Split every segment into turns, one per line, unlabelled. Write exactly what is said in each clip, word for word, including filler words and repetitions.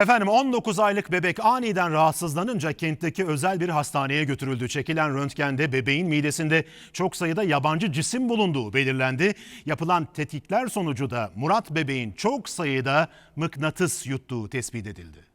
Efendim on dokuz aylık bebek aniden rahatsızlanınca kentteki özel bir hastaneye götürüldü. Çekilen röntgende bebeğin midesinde çok sayıda yabancı cisim bulunduğu belirlendi. Yapılan tetkikler sonucu da Murat bebeğin çok sayıda mıknatıs yuttuğu tespit edildi.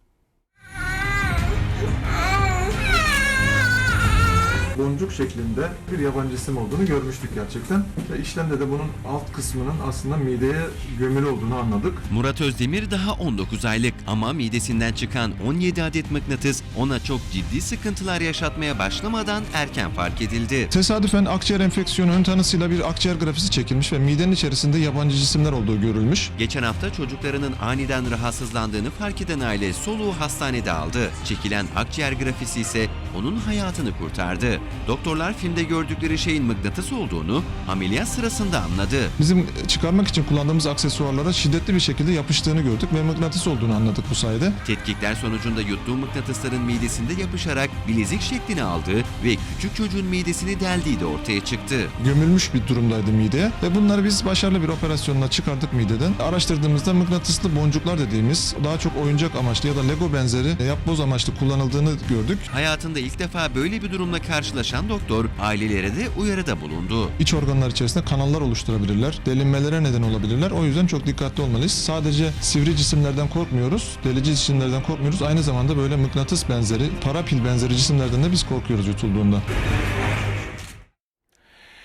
Boncuk şeklinde bir yabancı cisim olduğunu görmüştük gerçekten. Ve işlemde de bunun alt kısmının aslında mideye gömülü olduğunu anladık.
Murat Özdemir daha on dokuz aylık ama midesinden çıkan on yedi adet mıknatıs ona çok ciddi sıkıntılar yaşatmaya başlamadan erken fark edildi.
Tesadüfen akciğer enfeksiyonu ön tanısıyla bir akciğer grafisi çekilmiş ve midenin içerisinde yabancı cisimler olduğu görülmüş.
Geçen hafta çocuklarının aniden rahatsızlandığını fark eden aile soluğu hastanede aldı. Çekilen akciğer grafisi ise onun hayatını kurtardı. Doktorlar filmde gördükleri şeyin mıknatıs olduğunu ameliyat sırasında anladı.
Bizim çıkarmak için kullandığımız aksesuarlara şiddetli bir şekilde yapıştığını gördük ve mıknatıs olduğunu anladık bu sayede.
Tetkikler sonucunda yuttuğu mıknatısların midesinde yapışarak bilezik şeklini aldığı ve küçük çocuğun midesini deldiği de ortaya çıktı.
Gömülmüş bir durumdaydı mideye ve bunları biz başarılı bir operasyonla çıkardık mideden. Araştırdığımızda mıknatıslı boncuklar dediğimiz daha çok oyuncak amaçlı ya da Lego benzeri yapboz amaçlı kullanıldığını gördük.
Hayatında ilk defa böyle bir durumla karşılaşan doktor ailelere de uyarıda bulundu.
İç organlar içerisinde kanallar oluşturabilirler, delinmelere neden olabilirler. O yüzden çok dikkatli olmalıyız. Sadece sivri cisimlerden korkmuyoruz, delici cisimlerden korkmuyoruz. Aynı zamanda böyle mıknatıs benzeri, parapil benzeri cisimlerden de biz korkuyoruz yutulduğunda.